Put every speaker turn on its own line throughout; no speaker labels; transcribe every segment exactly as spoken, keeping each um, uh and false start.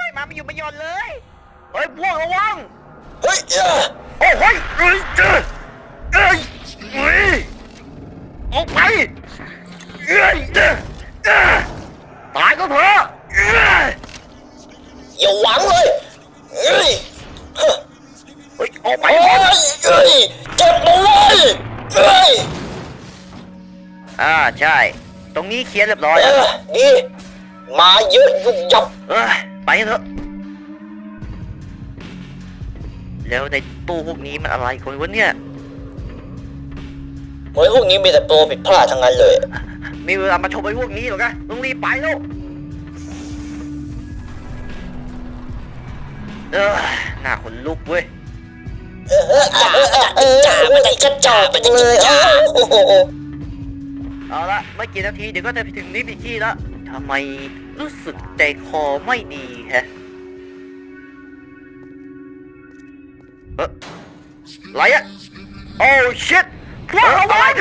มาไม่อยู่ไม่หย่อนเลยเฮ้ยพวกระวัง
เฮ้ย
โอ้ยเฮ้ยเฮ้ยเอ้ยเอ้ยเฮ้ยออกไปเอ้ยตายก็เถอะ
อย่าหวังเลยเฮ้ย
เฮ้ยออกไป
เฮ้ยเฮ้ยเจ็บตัวเลยเฮ้ย
อ่าใช่ตรงนี้เคลียร์เรียบร้อยแล้ว
ดีมาเยอะยุบยับ
เออไปเถอะแล้วในตู้พวกนี้มันอะไรคนวะเนี่ย
เฮ้ยพวกนี้มีแต่ตัวผิดพลาดทั้งนั้นเลย
มีเวลามาชมไอ้พวกนี้หรอกะต้องรีบไปแล้วเออหน้าขนลุกเว้ย
เออเออเออเออจ่ามันจะกระจอกไปเลยโอ้โห
เอาละไม่กี่นาทีเดี๋ยวก็จะไปถึงนิติที่แล้วทำไมรู้สึกใจคอไม่ดีฮะเอออะไรอะโอ้ชิตพวกเราไว้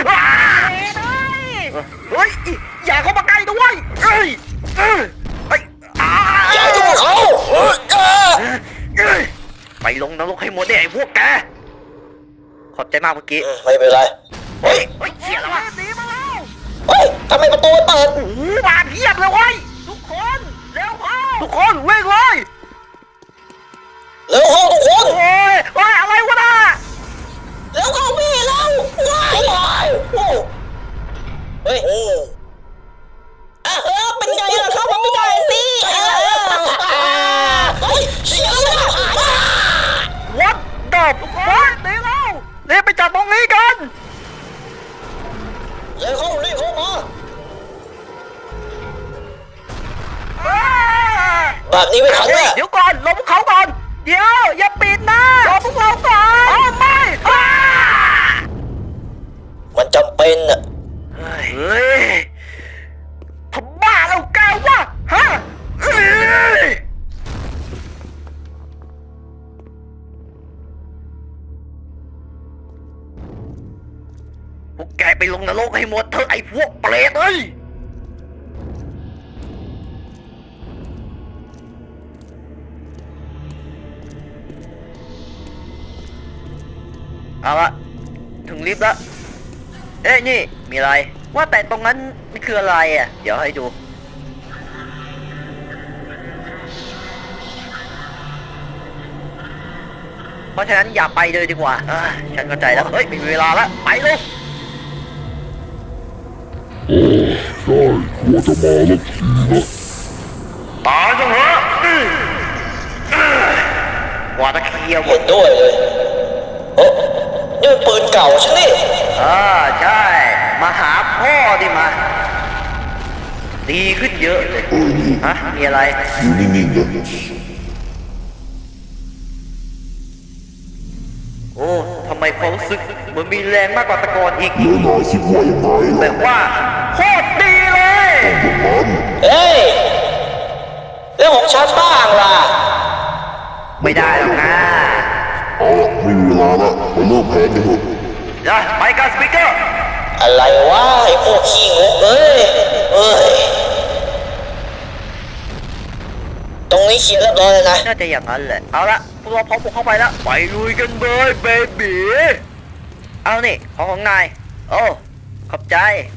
เฮ้ยอย่าเข้ามาใกล้ด้วยเฮ้ยเฮ้ย
อย่ายุ่งเขา
ไปลงนรกให้หมดเนี่ยไอ้พวกแกขอบใจมากเมื่อกี้
ไม่เป็นไร
เฮ้ยเฮ้ยเชี่ยแล้วหนีมาแล้ว
เฮ้ยทำไมประตูเปิด
โอ้โหมาเพียบเลยเว้ยทุกคนเร็วเข้าทุกคนวิ่งเลย
เร็วเข้าทุกคน
โอ้ยโอ้ยอะไรวะน่ะ
เร็วเข้าพี่เร็วว้ายเฮ้ยเออเป็นไงล่ะเข้ามาไม่ได้สิเฮ้ยเสียแล้ว
วัดดอบทุกคนเดี๋ยวเราเรียกไปจับตรงนี้กัน
เร็วเข้ารีบเข้ามาแบบนี้ไม่ทันแล้ว
เดี๋ยวก่อนรอพวกเขาก่อนเดี๋ยวอย่าปิดนะรอพวกเราก่อนอ๋อไม่
มันจำเป็นอะ
เฮ้ยทำบ้าแล้วแกวะฮะพวกแกไปลงนรกให้หมดเถอะไอ้พวกเปรตเอ้ยเอาละถึงลิฟต์แล้วเอ้ยนี่มีอะไรว่าแต่ตรงนั้นมันคืออะไรอ่ะเดี๋ยวให้ดูเพราะฉะนั้นอย่าไปเลยดีกว่าฉันเข้าใจแล้วเฮ้ยมีเวลาแล้วไปเลย
โอ้ใช่กลัวจะมาแล้วทีนะ
ตายจังเหรอกว่าตะเคียนหมด
ด้วยเลยโอ้นี่มันปืนเก่าใช่ไหม
อ่าใช่มาหาพ่อดิมาดีขึ้นเยอะเลยฮะมีอะไร
อยู่นิ่งๆนะ
โอ้ทำไมความรู้สึกเหมือนมีแรงมากกว่าตะกอนอีก
แล้วนายคิดว่ายังไง
แบบว่าโคตรดีเลย
เฮ้ยเรื่องของฉันบ้างล่ะ
ไม่ได้หรอกนะ
เอาละไม่มีเวลาละไปเริ่มแผนกันเถอะ
นะไปกันสปีกเกอร์
อะไรวะไอ้พวกขี้งกเอ้ยเอ้ยตรงนี้เคลียร์เรียบร้อยเลยนะ
น่าจะอย่างนั้นแหละเอาละพวกเราพร้อมบุกเข้าไปแล้วไปลุยกันเลยเบบีเอานี่ของของนายโอ้ขอบใจ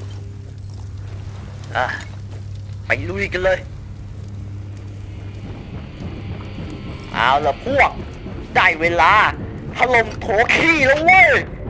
อ่ะไปลุยกันเลยเอาละพวกได้เวลาถล่มโถขี้แล้วเว้ย